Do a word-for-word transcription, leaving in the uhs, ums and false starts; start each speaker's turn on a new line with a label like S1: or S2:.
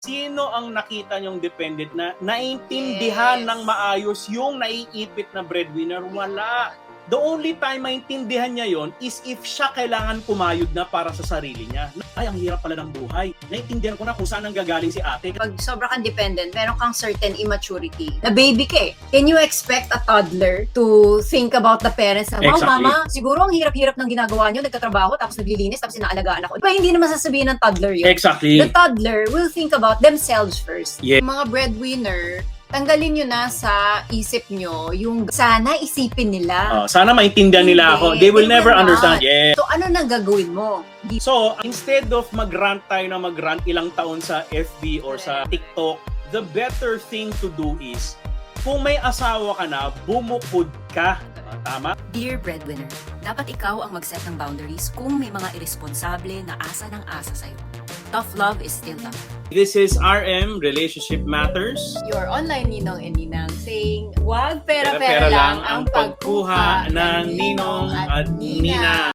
S1: Sino ang nakita niyong dependent na naiintindihan
S2: Yes.
S1: ng maayos yung naiipit na breadwinner? Wala. The only time maintindihan niya yon is if siya kailangan kumayod na para sa sarili niya. Ay, ang hirap pala ng buhay. Naiintindihan ko na kung saan ang gagaling si ate.
S2: Pag sobra kang dependent, meron kang certain immaturity. Na baby ka eh. Can you expect a toddler to think about the parents na, wow,
S1: Exactly.
S2: mama, siguro ang hirap-hirap ng ginagawa niyo, nagtatrabaho, tapos naglilinis, tapos inaalagaan ako. Diba, hindi naman sasabihin ng toddler yun.
S1: Exactly.
S2: The toddler will think about themselves first.
S1: Yeah.
S2: Mga breadwinner, tanggalin nyo na sa isip nyo yung sana isipin nila.
S1: Oh, sana maintindihan nila ako.
S2: Hindi.
S1: They will
S2: They
S1: never
S2: will not.
S1: understand. Yeah.
S2: So ano nang gagawin mo? Di-
S1: So, instead of mag-rant tayo na mag-rant ilang taon sa F B or sa TikTok, the better thing to do is, kung may asawa ka na, bumukod ka. Tama?
S3: Dear breadwinner, dapat ikaw ang mag-set ng boundaries kung may mga irresponsable na asa ng asa sa'yo. Tough love is still love.
S1: This is R M, Relationship Matters.
S2: Your online ninong and ninang saying, wag
S1: Pera-pera
S2: pera-pera
S1: lang ang pagkuha ng ninong at nina.